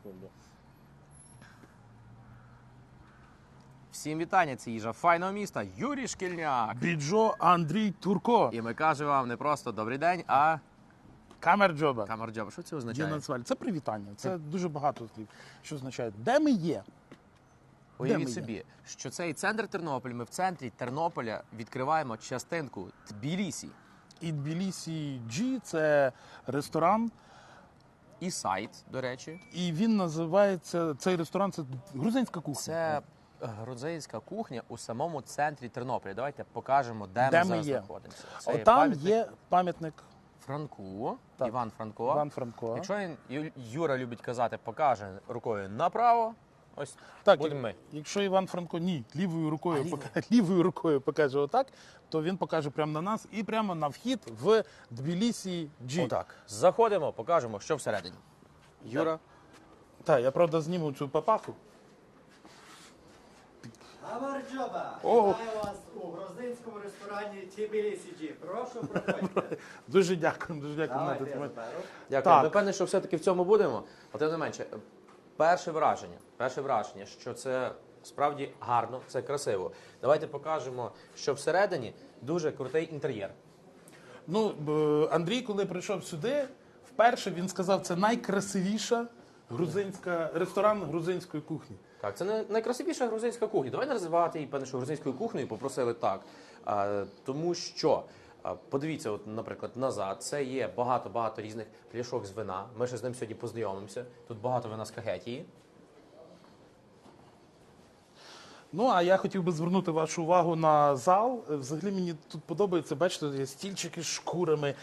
секунду. Всім вітання, це їжа файного міста Юрій Шкільняк. Біджо Андрій Турко. І ми кажемо вам не просто добрий день, а Камерджоба. камерджоба. Що це означає? Це привітання. Це дуже багато слів, що означає, де ми є. Уявіть собі, що цей центр Тернополя, ми в центрі Тернополя відкриваємо частинку Тбілісі. І Тбілісі G – це ресторан. І сайт, до речі. І він називається, цей ресторан, це грузинська кухня. Це грузинська кухня у самому центрі Тернополя. Давайте покажемо, де ми зараз знаходимося. Це Там є пам'ятник Франку, так. Іван Франко. Іван Франко. Якщо Юра любить казати, покаже рукою направо, ось Так, будемо ми. Якщо Іван Франко лівою рукою покаже отак, то він покаже прямо на нас і прямо на вхід в Тбілісі G. Отак. Заходимо, покажемо, що всередині. Юра. Так, я, правда, зніму цю папаху. Камерджоба! О! Вітаю вас у грузинському ресторані Тбілісі G. Прошу, проходьте. Дуже дякую, дуже дякую. Давайте я заберу. Дякую. Так. Ми певні, що все-таки в цьому будемо. Але тим не менше, перше враження, що це справді гарно, це красиво. Давайте покажемо, що всередині дуже крутий інтер'єр. Ну, Андрій, коли прийшов сюди, вперше він сказав, це найкрасивіша ресторан грузинської кухні. Так, це найкрасивіша грузинська кухня. Давай називати її, певне, що грузинською кухнею попросили так. Тому що, подивіться, от, наприклад, назад, це є багато різних пляшок з вина. Ми ще з ним сьогодні познайомимося. Тут багато вина з Кагетії. Ну, а я хотів би звернути вашу увагу на зал. Взагалі мені тут подобається, бачите, є стільчики з шкурами.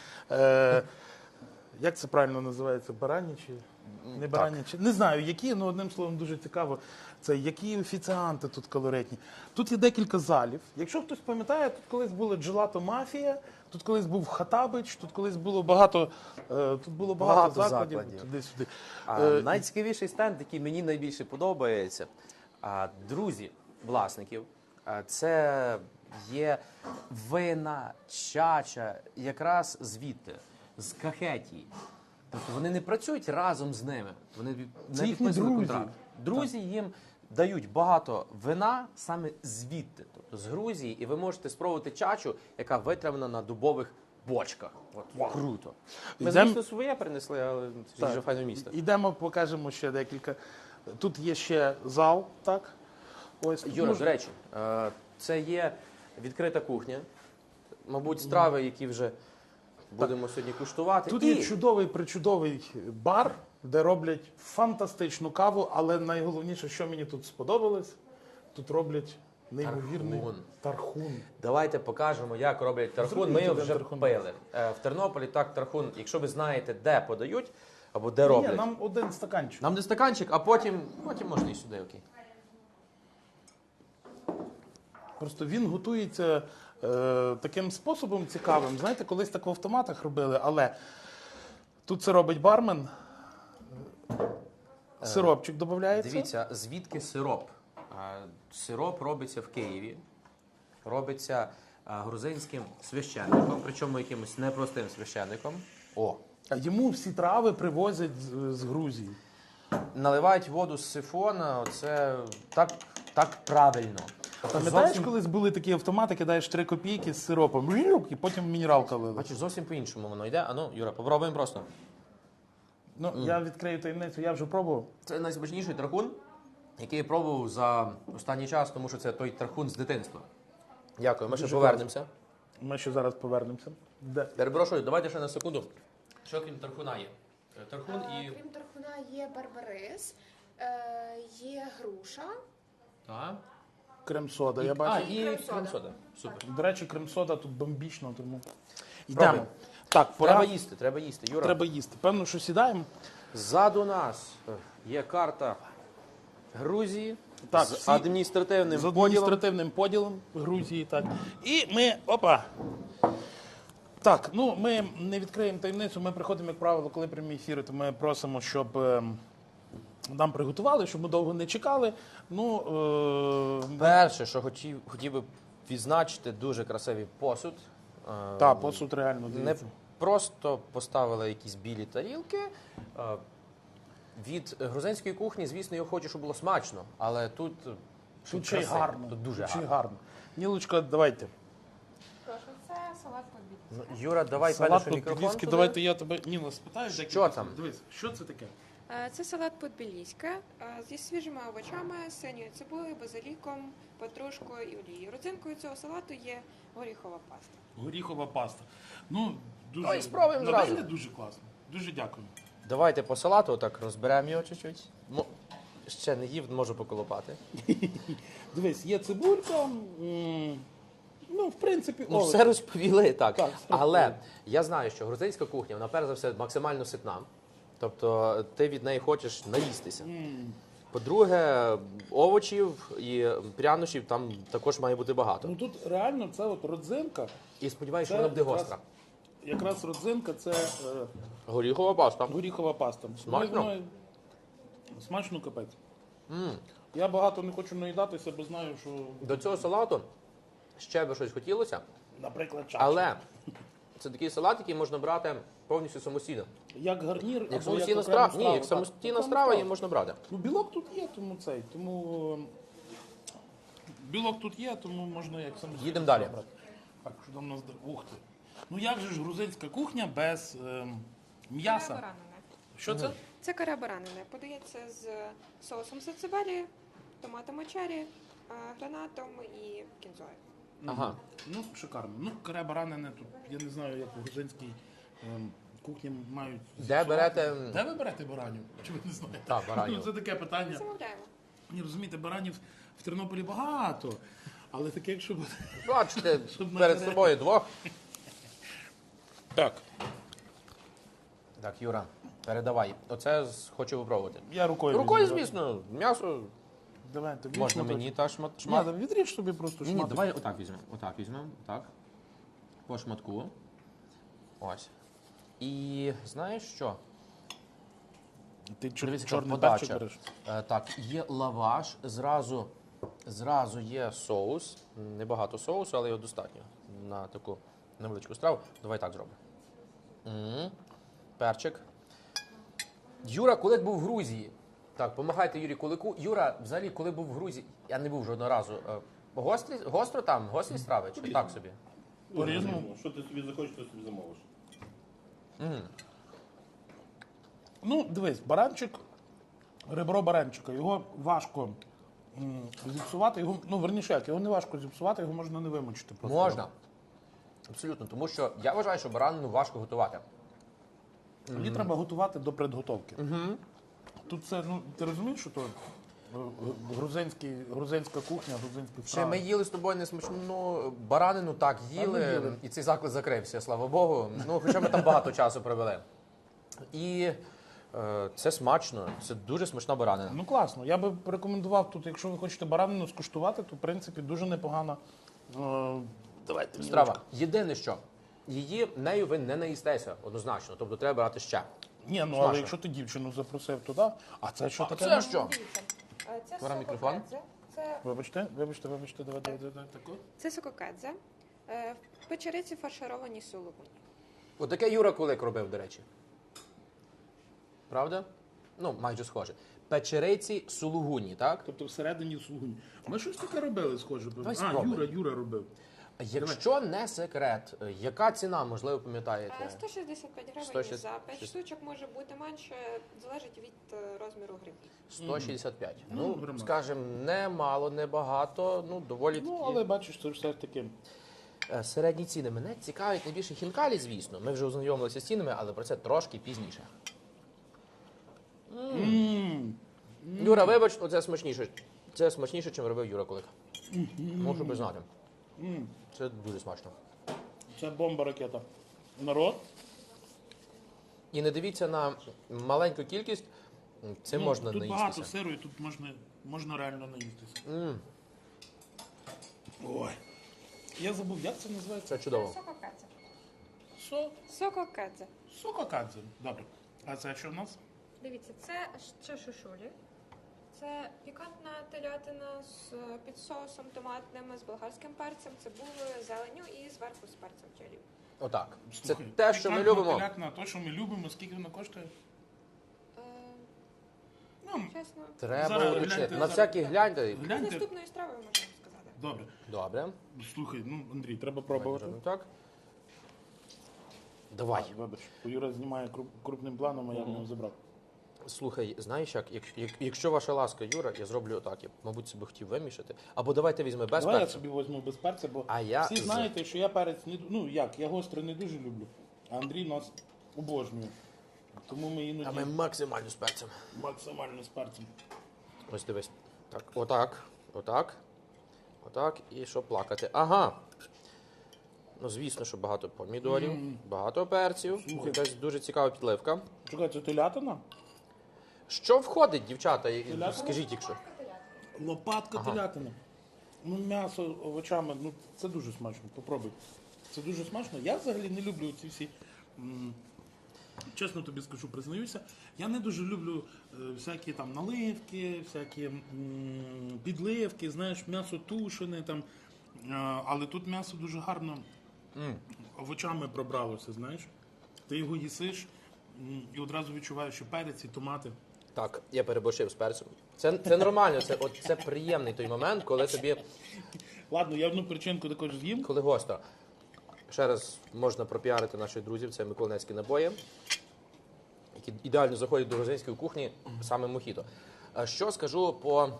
Як це правильно називається? Баранячі? Не баранячі? Не знаю, які, але одним словом дуже цікаво. Це які офіціанти тут колоритні. Тут є декілька залів. Якщо хтось пам'ятає, тут колись була Джелато Мафія, тут колись був Хатабич, тут колись було багато, закладів. Туди-сюди. Найцікавіший стенд, який мені найбільше подобається, друзі власників, це є вина, чача, якраз звідти, з Кахетії. Тобто вони не працюють разом з ними, вони Це не їхні підписують друзі. контракт. Друзі їм дають багато вина саме звідти, тобто з Грузії, і ви можете спробувати чачу, яка витравлена на дубових бочках. От, круто. Ми, звісно, своє принесли, але це дуже файне місто. Ідемо, покажемо ще декілька. Тут є ще зал, так? Ось. Юра, до речі, це є відкрита кухня. Мабуть, страви, які вже будемо сьогодні куштувати. Тут є чудовий-причудовий бар, де роблять фантастичну каву, але найголовніше, що мені тут сподобалось, тут роблять неймовірний тархун. Давайте покажемо, як роблять тархун. Ми його вже тархун. пили. В Тернополі так тархун, якщо ви знаєте, де подають або де роблять. Ні, нам один стаканчик. Нам не стаканчик, а потім можна і сюди, окей. Просто він готується таким способом цікавим. Знаєте, колись так в автоматах робили, але тут це робить бармен. Сиропчик додається. Дивіться, звідки сироп? Сироп робиться в Києві, робиться грузинським священником, причому якимось непростим священником. А йому всі трави привозять з Грузії. Наливають воду з сифона, це так правильно. Пам'ятаєш, колись були такі автомати, кидаєш 3 копійки з сиропом, і потім мінералка лили. Бачиш, зовсім по-іншому воно йде. Ану, Юра, попробуємо просто. Ну, я відкрию таємницю, я вже пробував. Це найсмачніший тархун, який я пробував за останній час, тому що це той тархун з дитинства. Дякую, ми ще повернемося. Ми ще зараз повернемося. Перепрошую, давайте ще на секунду. Що крім тархуна є? Тархун і... Крім тархуна є барбарис, є груша. Так. Крем-сода, я бачу. І крем-сода. крем-сода. Супер. До речі, крем-сода тут бомбічно, тому... Пробуй. Йдемо. Так, пора. Треба їсти. Юра. Треба їсти. Певно, що сідаємо. Ззаду нас є карта Грузії Так, з всі- адміністративним З поділом. адміністративним поділом Грузії, так. І ми, Так, ну ми не відкриємо таємницю, ми приходимо, як правило, коли прямі ефіри, то ми просимо, щоб нам приготували, щоб ми довго не чекали. Перше, що хотів би відзначити, дуже красивий посуд. Так, посуд реально Не дивіться. просто поставили якісь білі тарілки, від грузинської кухні, звісно, я хочу, щоб було смачно, але тут Тут ще й красиво, гарно. Тут дуже Тут ще й гарно. гарно. Нілочка, давайте. Прошу, це салат по-більськи. Юра, давай Салат перший мікрофон по-підвійськи. туди. Давайте я тебе, Ніла, спитаю. Що декілька там? слів. Дивись, що це таке? Це салат по-більськи зі свіжими овочами, синьою цибулею, базиліком, петрушкою і олією. Родзинкою цього салату є горіхова паста. Горіхова паста. Ну, дуже, Давай спробуємо на зразу. вигляд дуже класно. Дуже дякую. Давайте по салату так розберемо його чуть-чуть. Ще не їв, можу поколопати. Дивись, є цибулька, ну, в принципі, Ну, овочі. все розповіли, так. Так, все Але розповіли. я знаю, що грузинська кухня, вона перш за все максимально ситна. Тобто ти від неї хочеш наїстися. По-друге, овочів і прянощів там також має бути багато. Ну тут реально це от родзинка. І сподіваюся, що Це вона буде якраз- гостра. Якраз родзинка це Горіхова паста. горіхова паста. Смачно? Ну, смачно капець. Я багато не хочу наїдатися, бо знаю, що, До цього салату ще би щось хотілося, наприклад, чача. але це такий салат, який можна брати повністю самостійно. Як гарнір, Як або самостійна окрему страва, страву. ні, як Так, самостійна окрему страва страву. її можна брати. Ну, білок тут є, тому білок тут є, тому можна як самостійно. Їдемо далі. брати. Так, що там у нас ух ти. Ну як же ж грузинська кухня без м'яса? Баранина. Що це? Це каре баранини. Подається з соусом сацебелі, томатами чері, гранатом і кінзою. Ага. Ну, шикарно. Ну, каре баранини тут, я не знаю, як у грузинській кухні мають. Де берете? Де ви берете баранів? Чи ви не знаєте? Так, баранів. Ну, це таке питання. Замовляємо. Ні, розумієте, баранів в Тернополі багато, але таке, якщо буде. Бачите, Щоб перед наперед. собою двох. Так, Так, Юра, передавай. Оце хочу попробувати. я рукою. Рукою, візьму. звісно, м'ясо Давайте, візьму можна так. мені та Ні, шмат. да відріж собі просто Ні, шматок. давай отак візьмемо. Отак візьмемо. Так. По шматку. Ось. І знаєш що? Ти Дивись, яка чорний подача. перчик береш. Так, є лаваш, зразу є соус. Небагато соусу, але його достатньо на таку невеличку страву. Давай так зробимо. Перчик. Юра Кулик був в Грузії. Так, помагайте Юрію Кулику. Юра, взагалі, коли був в Грузії, я не був жодного разу. Гостро там? Гострі страви? Чи так собі? По-різному. Що ти собі захочеш, то собі замовиш. Ну, дивись, баранчик, ребро баранчика, його важко зіпсувати, ну, верніше як, його не важко зіпсувати, його можна не вимочити просто. Можна. Абсолютно. Тому що я вважаю, що баранину важко готувати. Її треба готувати до предготовки. Тут це, ну, ти розумієш, що то грузинська кухня, грузинські Ще страви. ми їли з тобою несмачну баранину, так, їли, і цей заклад закрився, слава Богу. Ну, хоча ми там багато часу провели. І це смачно, це дуже смачна баранина. Ну, класно. Я би порекомендував тут, якщо ви хочете баранину скуштувати, то, в принципі, дуже непогана давайте, Страва. Єдине що, нею ви не наїстеся однозначно, тобто треба брати ще. Ні, ну, Смачно. але якщо ти дівчину запросив туди, а це що таке? Це що? Дивіться, це Беремо мікрофон. сококедзе. Вибачте, давай, тако. Це сококедзе. В печериці фаршировані сулугуні. Отаке Юра Кулик робив, до речі. Правда? Ну, майже схоже. Печериці сулугуні, так? Тобто всередині слугунь. Ми щось таке робили схоже. Давай А, спробуй. Юра робив. Якщо не секрет, яка ціна, можливо, пам'ятаєте? 165 гривень 160. за 5 штучок може бути менше, залежить від розміру гривні. 165. Ну, Ну, громадно. скажімо, не мало, не багато, ну, доволі Ну, такі. але бачиш, це все ж таки. Середні ціни. Мене цікавить найбільше хінкалі, звісно. Ми вже ознайомилися з цінами, але про це трошки пізніше. Юра, вибач, оце смачніше. Це смачніше, чим робив Юра Кулик. Можу признати. Це дуже смачно. Це бомба ракета. Народ. І не дивіться на маленьку кількість, це можна Тут багато наїстися. сиру і тут можна реально наїстися. Ой. Я забув, як це називається? Це чудово. Сококедзе. Сококадзе. Сококедзе. Добре. А це що в нас? Дивіться, це ще шушулі. Це пікантна телятина з під соусом томатним, з болгарським перцем, цибулею, зеленню і зверху з перцем чилі. Отак. Це Слухай, те, що ми пікантна любимо. телятина, то, що ми любимо, скільки воно коштує? чесно. Треба Зараз уточнити. гляньте, На зараз. всякий гляньте. З Гляньте. наступної страви можемо сказати. Добре. Добре. Слухай, ну, Андрій, треба пробувати. Так. Давай. Вибач, Юра знімає крупним планом, а я в нього забрав. Слухай, знаєш як, якщо ваша ласка, Юра, я зроблю отак. Я, мабуть, себе хотів вимішати. Або давайте візьми без Давай я перцю. собі візьму без перця, бо А я всі з- знаєте, що я перець не ну як, я гостре не дуже люблю, а Андрій нас обожнює. Тому ми А іноді ми максимально з перцем. максимально з перцем. Ось дивись. Так, отак, отак, отак, і що плакати. Ага. Ну, звісно, що багато помідорів, багато перців. Слухай. Якась дуже цікава підливка. Чекай, це телятина? Що входить, дівчата? Телятина? Скажіть, якщо. Лопатка Ага. телятини. Ну, м'ясо овочами, ну це дуже смачно. Попробуй. Це дуже смачно. Я взагалі не люблю ці всі. Чесно тобі скажу, признаюся, я не дуже люблю всякі там наливки, всякі підливки, знаєш, м'ясо тушене там. Але тут м'ясо дуже гарно овочами пробралося, знаєш. Ти його їсиш і одразу відчуваєш, що перець і томати. Так, я переборщив з перцем. Це нормально, це приємний той момент, коли тобі, Ладно, я одну причинку також з'їм. коли гостро. Ще раз можна пропіарити наших друзів, це миколаївські набої, які ідеально заходять до грузинської кухні, саме мохіто. А що скажу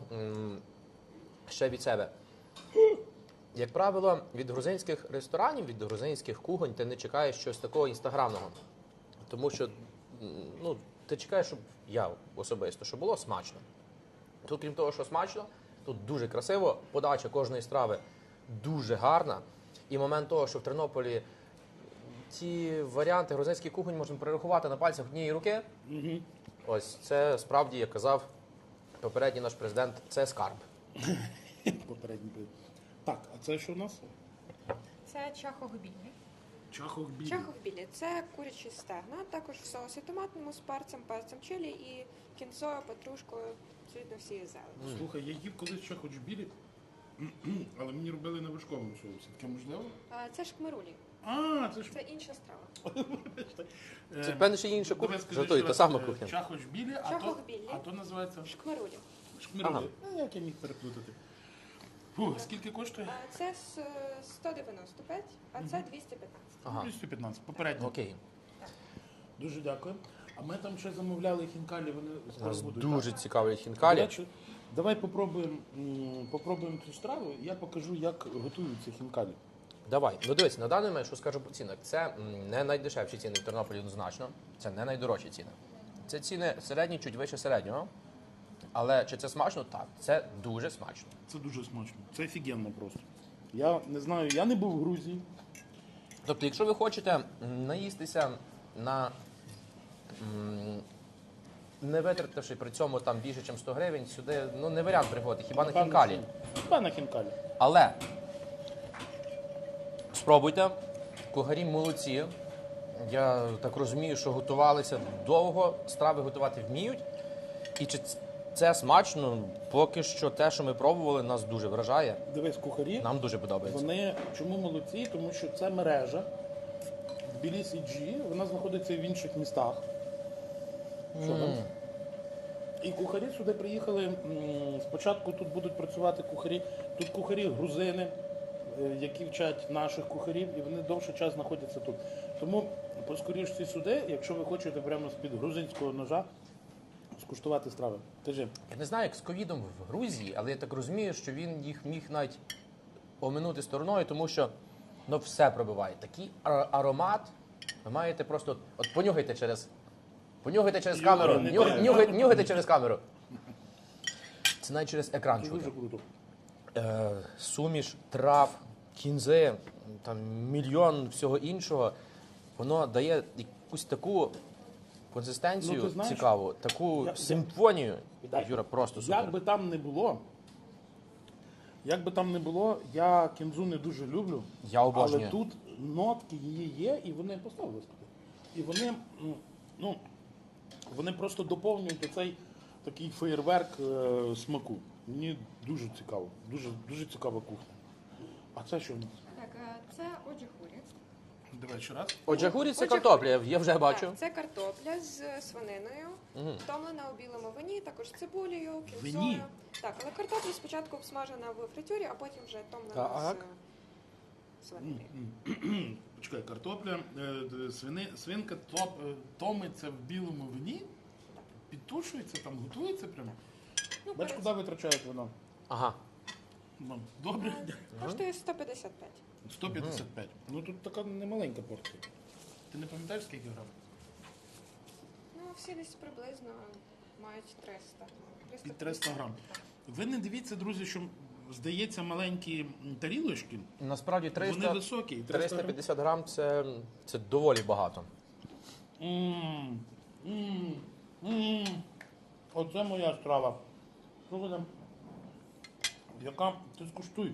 ще від себе? Як правило, від грузинських ресторанів, від грузинських кухонь ти не чекаєш щось такого інстаграмного. Тому що ну, ти чекаєш, щоб я особисто, щоб було смачно. Тут, крім того, що смачно, тут дуже красиво, подача кожної страви дуже гарна. І момент того, що в Тернополі ці варіанти грузинських кухонь можна перерахувати на пальцях однієї руки. Ось це справді, як казав попередній наш президент, це скарб. Попередній був. Так, а це що у нас? Це чахохбілі. Чахохбілі. Чахохбілі – це курячі стегна, також в соусі томатному з перцем чилі і кінзою, петрушкою, абсолютно всією зелені. Слухай, я їв колись чахохбілі, але мені робили на вершковому соусі. Таке можливо? Це шкмарулі. А, це ж... Це інша страва. Це, певно, ще інша Давай кухня. скажи Жартую, ще та раз, сама кухня. Чахохбілі, Чахохбілі. а то називається Шкмарулі. шкмирулі. Ага. Як я міг переплутати? Фу, скільки коштує? Це 195, а це 215. Ага. 215, попередньо. Окей. Дуже дякую. А ми там ще замовляли хінкалі, вони скоро Нас будуть. дуже так? цікавлять До хінкалі. речі, давай попробуємо цю страву, і я покажу, як готуються хінкалі. Давай. Ну дивись, на даний момент, що скажу по цінах, це не найдешевші ціни в Тернополі однозначно. Це не найдорожчі ціни. Це ціни середні, чуть вище середнього. Але чи це смачно? Так, це дуже смачно. Це дуже смачно. Це офігенно просто. Я не знаю, я не був в Грузії. Тобто, якщо ви хочете наїстися на не витративши при цьому там більше, ніж 100 гривень, сюди ну не варіант приходити, хіба на хінкалі. Хіба на хінкалі. Але спробуйте, кухарі молодці. Я так розумію, що готувалися довго, страви готувати вміють. І чи це смачно, поки що те, що ми пробували, нас дуже вражає. Дивись, кухарі, Нам дуже подобається. вони чому молодці? Тому що це мережа Тбілісі G, вона знаходиться і в інших містах. Що там? І кухарі сюди приїхали. Спочатку тут будуть працювати кухарі. Тут кухарі грузини, які вчать наших кухарів, і вони довший час знаходяться тут. Тому поскоріше сюди, якщо ви хочете прямо з-під грузинського ножа скуштувати страви. Кажи. Я не знаю, як з ковідом в Грузії, але я так розумію, що він їх міг навіть оминути стороною, тому що ну, все пробиває. Такий аромат, ви маєте просто от понюхайте через камеру. не треба. Нюхайте через камеру. Це навіть через екран Це чути. дуже круто. Суміш трав, кінзи, там мільйон всього іншого, воно дає якусь таку консистенцію Ну, ти знаєш, цікаву, таку я- симфонію. Юра, просто супер. Як би там не було, я кінзу не дуже люблю. Я обожнюю. Але тут нотки її є, і вони поставили туди. І вони, ну, вони просто доповнюють оцей такий феєрверк смаку. Мені дуже цікаво, дуже цікава кухня. А це що в нас? Так, це оджихурі. Давай ще раз. Оджахурі це Оджахурі. картопля, я вже бачу. Так, це картопля з свининою, втомлена у білому вині, також цибулею, Вині? кінзою. Так, але картопля спочатку обсмажена в фритюрі, а потім вже томлена Так. з свининою. Почекай, картопля, свинка томиться в білому вині, підтушується, там готується прямо. Ну, Бач, куди витрачають воно? Ага. Ну, добре. Коштує 155. 155. Ну тут така немаленька порція. Ти не пам'ятаєш, скільки грам? Ну, всі десь приблизно мають 300. Під 300 грам. Ви не дивіться, друзі, що здається маленькі тарілочки, Насправді вони 300, високі. і 300 грам. 350 грам це доволі багато. М, м, м. Оце моя страва. Слухайте, яка? Ти скуштуй.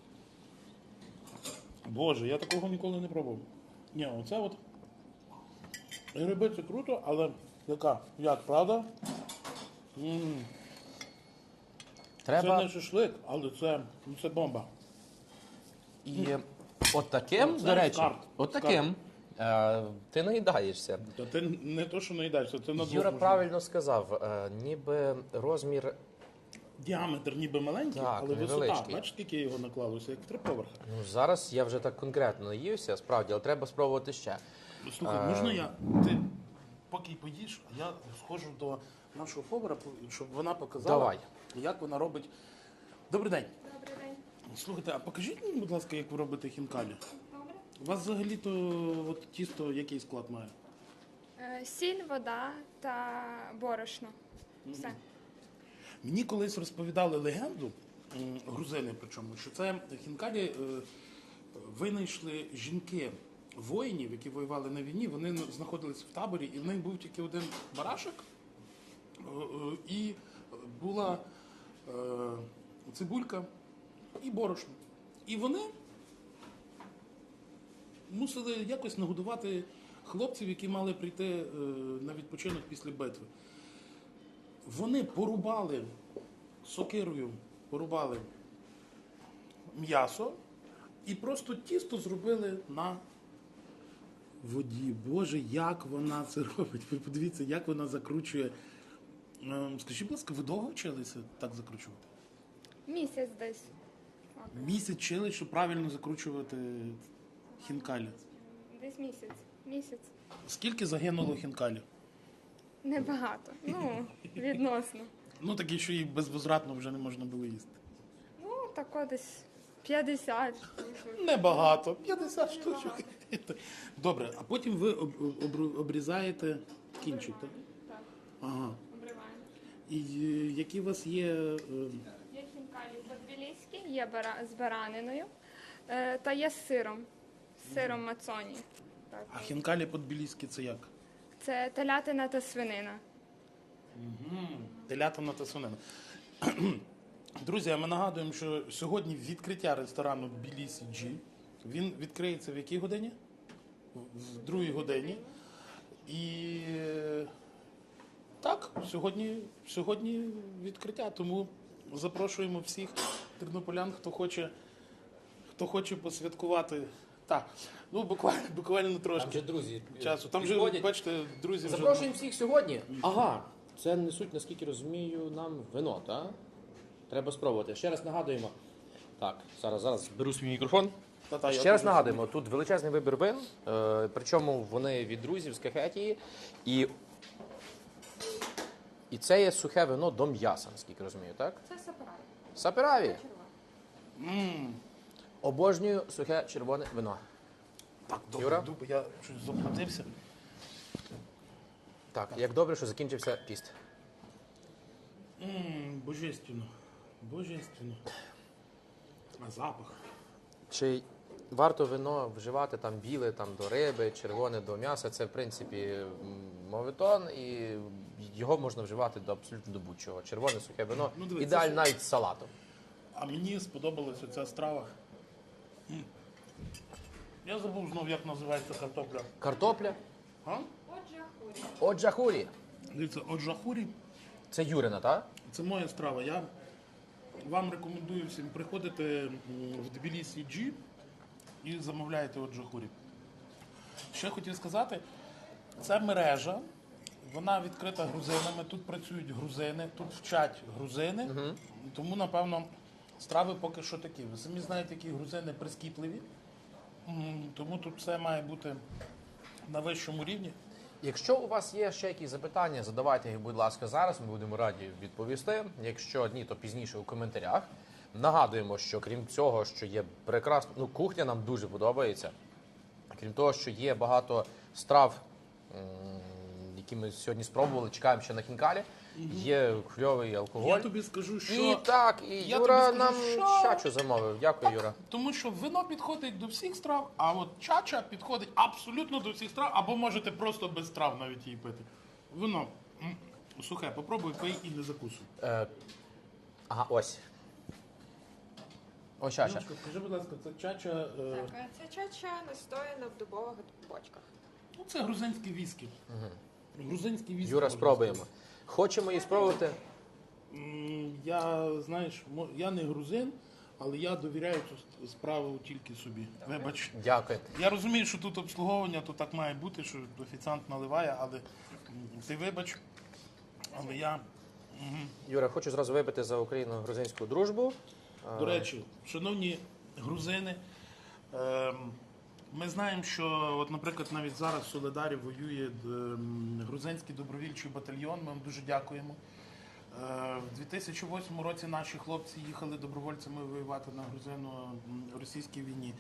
Боже, я такого ніколи не пробував. Ні, оце от. Гриби це круто, але яка? Як, правда? М. Це Треба не шашлик, але це бомба. і от таким, Це до речі, скарб. от таким ти наїдаєшся. Та ти не то, що наїдаєшся, це на Юра двох правильно сказав, ніби розмір, діаметр ніби маленький, Так, але висота. невеличкий. Бачиш, скільки його наклалося, як в 3 поверхи. ну зараз я вже так конкретно наївся, справді, але треба спробувати ще. Слухай, можна я? Ти поки поїш, а я схожу до нашого повара, щоб вона показала, Давай. як вона робить. Добрий день. Добрий день. Слухайте, а покажіть мені, будь ласка, як ви робите хінкалі. Добре. У вас взагалі-то от, тісто який склад має? Сіль, вода та борошно. Все. Мені колись розповідали легенду, грузини причому, що це хінкалі винайшли жінки воїнів, які воювали на війні, вони знаходились в таборі, і в них був тільки один барашок, і була цибулька і борошно. І вони мусили якось нагодувати хлопців, які мали прийти на відпочинок після битви. Вони порубали сокирою, порубали м'ясо і просто тісто зробили на воді. Боже, як вона це робить? Ви подивіться, як вона закручує. Скажіть, будь ласка, ви довго вчилися так закручувати? Місяць десь. Місяць вчили, щоб правильно закручувати хінкалі. Десь місяць. Місяць. Скільки загинуло хінкалі? Небагато. Ну, відносно. Ну, такі, що їх безвозвратно вже не можна було їсти. Ну, тако десь 50. Небагато, 50 штучок. Добре, а потім ви обрізаєте кінчик, так? Так, Ага. обриваємо. І які у вас є. Є хінкалі по-тбіліськи, є з бараниною та є з сиром. З сиром мацоні. Так. А хінкалі по-тбіліськи це як? Це телятина та свинина. Телятина та свинина. Друзі, а ми нагадуємо, що сьогодні відкриття ресторану Тбілісі Джі. Він відкриється в якій годині? В 2 годині. І так, сьогодні відкриття. Тому запрошуємо всіх тернополян, хто хоче посвяткувати. Так, ну буквально трошки друзі часу. Там вже, підходять. бачите, друзі вже. Запрошуємо всіх сьогодні. Ага, це несуть, наскільки розумію, нам вино, так? Треба спробувати. Ще раз нагадуємо. Так, зараз беру свій мікрофон. Та-та, я Ще раз дуже- нагадуємо, тут величезний вибір вин, причому вони від друзів з Кахетії. І це є сухе вино до м'яса, наскільки розумію, так? Це сапараї. Сапераві. Обожнюю сухе червоне вино. Так, Юра? добре, я щось заплутався. Так, як добре, що закінчився піст. Божественно. Божественно. А запах. Чи варто вино вживати там біле там, до риби, червоне до м'яса? Це, в принципі, моветон, і його можна вживати до абсолютно до будь-чого. Червоне сухе вино, Ну, дивись, ідеально це навіть з салатом. А мені сподобалася ця страва. Я забув знов, як називається картопля. Картопля, А? Отже, хурі. оджахурі. Дивіться, оджахурі. Це Юрина, так? Це моя страва. Я вам рекомендую всім приходити в Тбілісі Джі і замовляєте оджахурі. Що я хотів сказати, це мережа, вона відкрита грузинами, тут працюють грузини, тут вчать грузини, тому, напевно, страви поки що такі. Ви самі знаєте, які грузини прискіпливі, тому тут все має бути на вищому рівні. Якщо у вас є ще якісь запитання, задавайте їх, будь ласка, зараз. Ми будемо раді відповісти. Якщо ні, то пізніше у коментарях. Нагадуємо, що крім цього, що є прекрасна, кухня нам дуже подобається. Крім того, що є багато страв, які ми сьогодні спробували, чекаємо ще на хінкалі. Є кльовий алкоголь. Я тобі скажу, що... І так, і Я Юра тобі скажу, нам що- чачу замовив. Дякую, Юра. Тому що вино підходить до всіх страв, а от чача підходить абсолютно до всіх страв, або можете просто без страв навіть її пити. Вино сухе, попробуй, пий і не закусуй. Ага, ось. Ось чача. Яночко, скажи, будь ласка, це чача... Так, це чача настояна в дубових бочках. Ну, це грузинські віскі. Грузинські віскі. Юра, можна спробуємо. сказати. Хочемо її спробувати. Я, знаєш, я не грузин, але я довіряю цю справу тільки собі. Вибач. Дякую. Я розумію, що тут обслуговування, то так має бути, що офіціант наливає, але ти вибач, але я... Юра, хочу зразу випити за україно-грузинську дружбу. До речі, шановні грузини, ми знаємо, що, от, наприклад, навіть зараз в Солидарі воює грузинський добровільчий батальйон. Ми вам дуже дякуємо. В 2008 році наші хлопці їхали добровольцями воювати на грузино-російській війні.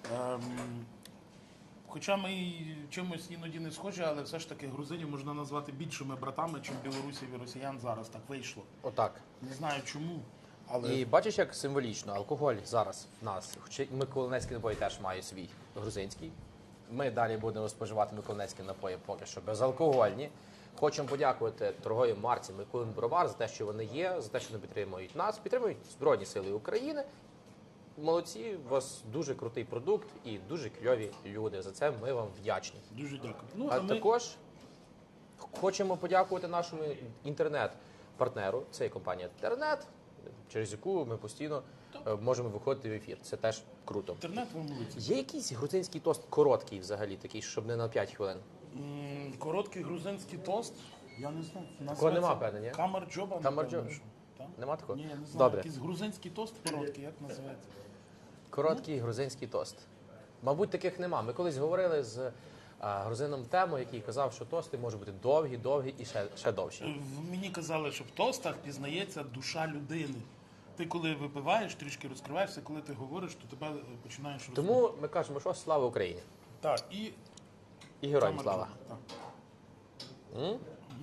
Хоча ми і чимось іноді не схожі, але все ж таки грузинів можна назвати більшими братами, ніж білорусів і росіян зараз. Так вийшло. Отак. Не знаю чому. Але І бачиш, як символічно, алкоголь зараз в нас. Хоча Миколинецький напої теж має свій грузинський. Ми далі будемо споживати миколинецькі напої поки що безалкогольні. Хочемо подякувати торговій марці Миколин Бровар за те, що вони є, за те, що вони підтримують нас, підтримують Збройні Сили України. Молодці, у вас дуже крутий продукт і дуже кльові люди. За це ми вам вдячні. дуже дякую. Ну, А ми... також хочемо подякувати нашому інтернет-партнеру. Це є компанія Тернет, через яку ми постійно можемо виходити в ефір. Це теж круто. Інтернет ви молодці. Є якийсь грузинський тост короткий взагалі, такий, щоб не на 5 хвилин? Короткий грузинський тост. Я не знаю. Такого нема, певне, ні? Камарджоба. Камарджоба. напевно, що. Так? Нема такого? Ні, я не знаю. Добре. Якийсь грузинський тост короткий, як називається? Короткий грузинський тост. Мабуть, таких нема. Ми колись говорили з грузином Темо, який казав, що тости можуть бути довгі і ще довші. Мені казали, що в тостах пізнається душа людини. Ти коли випиваєш, трішки розкриваєшся, коли ти говориш, то тебе починаєш розуміти. Тому ми кажемо, що слава Україні. Так, і І героям Камарджоба. слава. Так.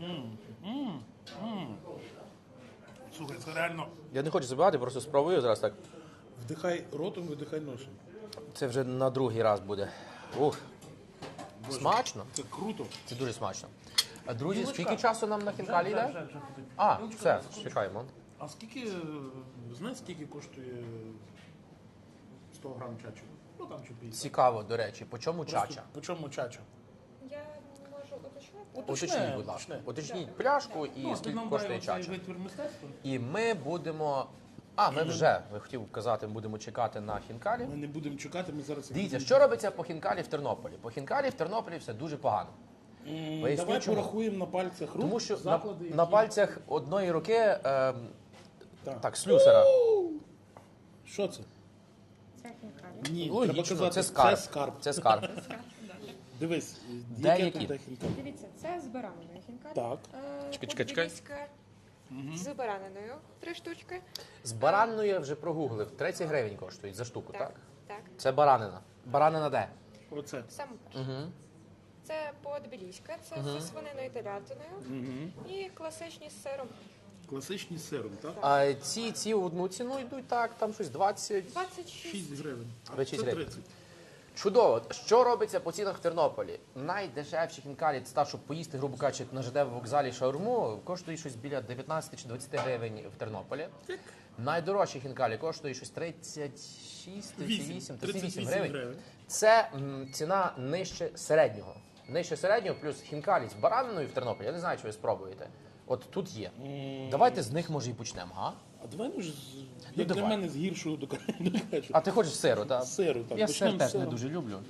Слухай, це реально Я не хочу забивати, просто спробую зараз так. вдихай ротом, видихай носом. Це вже на другий раз буде. Ух, смачно. Це круто. Це дуже смачно. А, друзі, Юлочка, скільки часу нам на хінкалі йде? Вже. А, Юлочка, все, секундочку. чекаємо. А скільки, знаєш, скільки коштує 100 грам чачу? Ну там чи 50. Цікаво, до речі, по чому чача? По чому чача? Я можу уточнити. Уточніть, будь ласка. Уточніть пляшку і Ну, ти скільки нам коштує дай оцей чача. витвір мистецтва. І ми будемо... ми хотів казати, будемо чекати на хінкалі. Ми не будемо чекати, ми зараз... Дивіться, що робиться по хінкалі в Тернополі? По хінкалі в Тернополі все дуже погано. Поясню, Давай чому. порахуємо на пальцях рук Тому що заклади, на які- пальцях одної руки, Так. так, слюсара. Що це? Це хінкалі. Ні, Логічно, треба казати, це скарб. це скарб. Це скарб. Дивись, Де яке які? тут де хінкалі? Дивіться, це з бараниною хінкалі. Так. Чекай. З бараниною 3 штучки. З баранною я вже прогуглив. 30 гривень коштують за штуку, так? Так. Це баранина. Баранина де? Оце. Саме перше. Це по-тбіліська, це зі свининою і телятиною. І класичні з сиром. Класичні з сиром, так? А ці в одну ціну йдуть так, там щось 20. 26. 6 гривень. А 26 це гривень. 30. Чудово. Що робиться по цінах в Тернополі? Найдешевші хінкалі, це так, щоб поїсти, грубо кажучи, на ЖД вокзалі шаурму, коштує щось біля 19 чи 20 гривень в Тернополі. Найдорожчі хінкалі коштує щось 36, 38, 38 гривень. Це ціна нижче середнього. Нижче середнього плюс хінкалі з бараниною в Тернополі. Я не знаю, чи ви спробуєте. От тут є. Давайте з них, може, і почнемо, га? А давай, може, як для давай. мене з гіршого до кращого. А ти хочеш сиру, так? З сиру, так. Я Почнемо сир з теж не сиру. дуже люблю.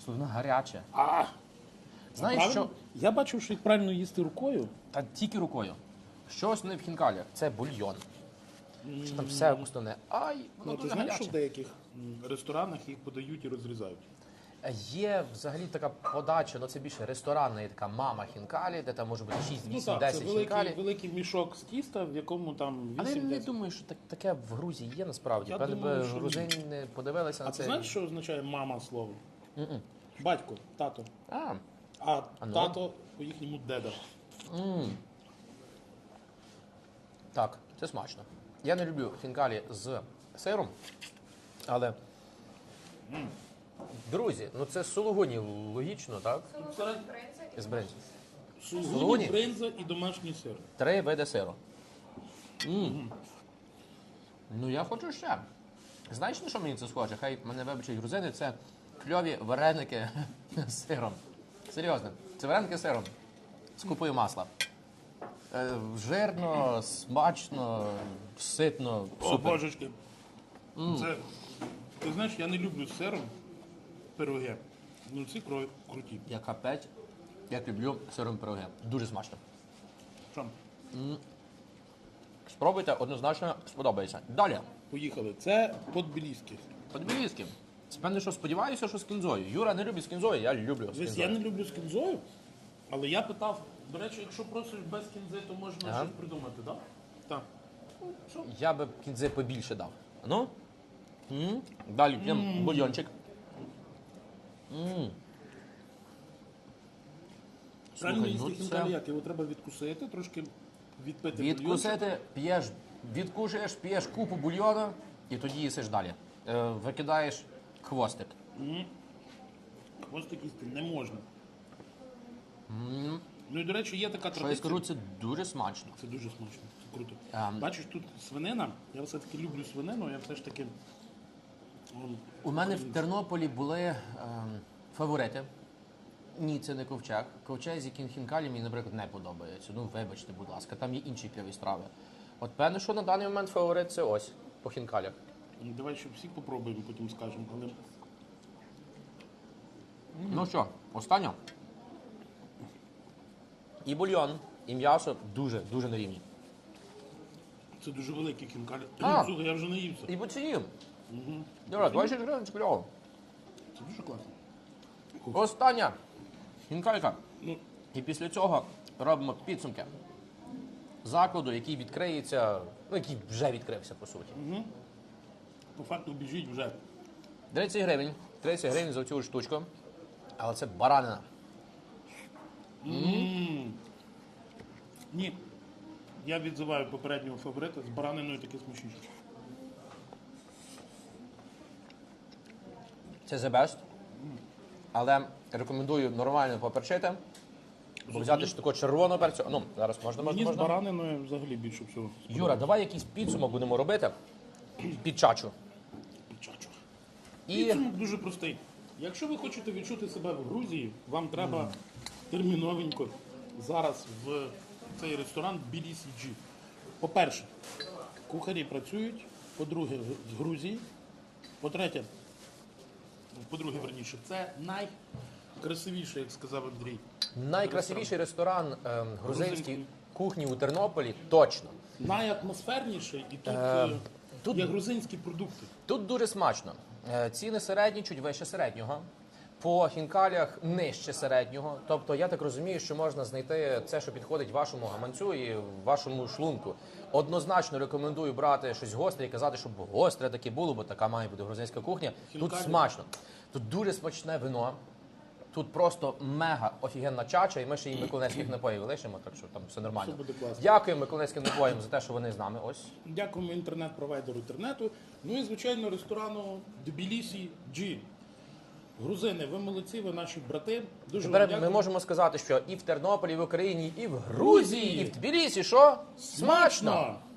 Воно гаряче. А, Знаєш, правильно? що? Я бачив, що їх правильно їсти рукою. Та тільки рукою. Що основне в хінкалях? Це бульйон. Що там все основне. Ай, воно Ну, ти дуже знаєш, що в гаряче. деяких ресторанах їх подають і розрізають? Є взагалі така подача, ну це більше ресторанна, є така мама хінкалі, де там може бути 6, 8, Ну так, 10 це хінкалі. великий мішок з тіста, в якому там Але я не 8-10. думаю, що таке в Грузії є насправді. Я Певне, думаю, би що ні. грузини подивилися на А ти це. знаєш, що означає мама слово? Батько, тато. А, А ну? тато по-їхньому деда. так, це смачно. Я не люблю хінкалі з сиром, але. Друзі, ну це сулугуні логічно, так? Соломон, бринза і З бринзі. Сулугуні, Сулугуні? бринза і домашній сир. 3 види сиру. Ну я хочу ще. Знаєш, на що мені це схоже? Хай мене вибачать грузини, це кльові вареники з сиром. Серйозно, це вареники з сиром з купою масла. Жирно, смачно, ситно, О, супер. божечки. Це, ти знаєш, я не люблю з сиром пироги. Ну ці круті. Я капець, як люблю сиром пироги. Дуже смачно. Що? Спробуйте, однозначно сподобається. Далі. Поїхали. Це подбіліський. Подбілізьки. Певне, що сподіваюся, що з кінзою. Юра не любить з кінзою, я люблю з Дивись, кінзою. я не люблю з кінзою, але я питав, до речі, якщо просиш без кінзи, то можна Ага. щось придумати, так? Так. Що? Я би кінзи побільше дав. Ну? Далі п'ємо бульйончик. Правильно Слухай, ну їсти це- хінкалі як? Його треба відкусити, трошки відпити бульйончик. Відкусити, п'єш, відкушуєш, п'єш купу бульйону і тоді їсиш далі. Викидаєш хвостик. Хвостик їсти не можна. Ну і, до речі, є така Що я традиція. скажу, це дуже смачно. Це дуже смачно, це круто. Ем. Бачиш, тут свинина, я все-таки люблю свинину, я все ж таки... У мене в Тернополі були фаворити. Ні, це не ковчег. Ковчег з яким хінкалі мені, наприклад, не подобається. Ну, вибачте, будь ласка, там є інші кльові страви. От певне, що на даний момент фаворит це ось, по хінкалях. Давай ще всіх попробуємо, потім скажемо. Але Ну що, останнє. І бульйон, і м'ясо дуже на рівні. це дуже великі хінкалі. А! Слухай, я вже наївся. І по ціні. Юра, 26 гривень, це кльово. Це дуже класно. Остання хінкалька. Ну, І після цього робимо підсумки закладу, який відкриється, ну, який вже відкрився, по суті. по факту біжіть вже. 30 гривень. 30 гривень за цю штучку. Але це баранина. Ні. Я відзиваю попереднього фаворита з бараниною таке смачніше. Це the best. Але рекомендую нормально поперчити. Бо взяти ж такого червоного перцю. Ну, зараз можна. Мені з бараниною взагалі більше всього. Юра, давай якийсь підсумок будемо робити під чачу. Пічачу. І Підсумок дуже простий. Якщо ви хочете відчути себе в Грузії, вам треба терміновенько зараз в цей ресторан BDCG. По-перше, кухарі працюють. По-друге, з Грузії. По-третє, верніше, це найкрасивіше, як сказав Андрій. найкрасивіший ресторан грузинської Грузинський. кухні у Тернополі точно. Найатмосферніший і тут, тут- є грузинські продукти. Тут дуже смачно. Ціни середні, чуть вище середнього. По хінкалях нижче середнього. Тобто я так розумію, що можна знайти це, що підходить вашому гаманцю і вашому шлунку. Однозначно рекомендую брати щось гостре і казати, щоб гостре таке було, бо така має бути грузинська кухня. Тут Хінкалі. смачно. Тут дуже смачне вино. Тут просто мега офігенна чача, і ми ще їй миколаївських напоїв лишимо, так що там все нормально. Все буде класно. Дякуємо миколаївським напоям за те, що вони з нами. Ось. Дякуємо інтернет-провайдеру інтернету. Ну і, звичайно, ресторану Тбілісі G. Грузини, ви молодці, ви наші брати. Дуже вам Тепер дякую. ми можемо сказати, що і в Тернополі, і в Україні, і в Грузії, і в Тбілісі, що? Смачно!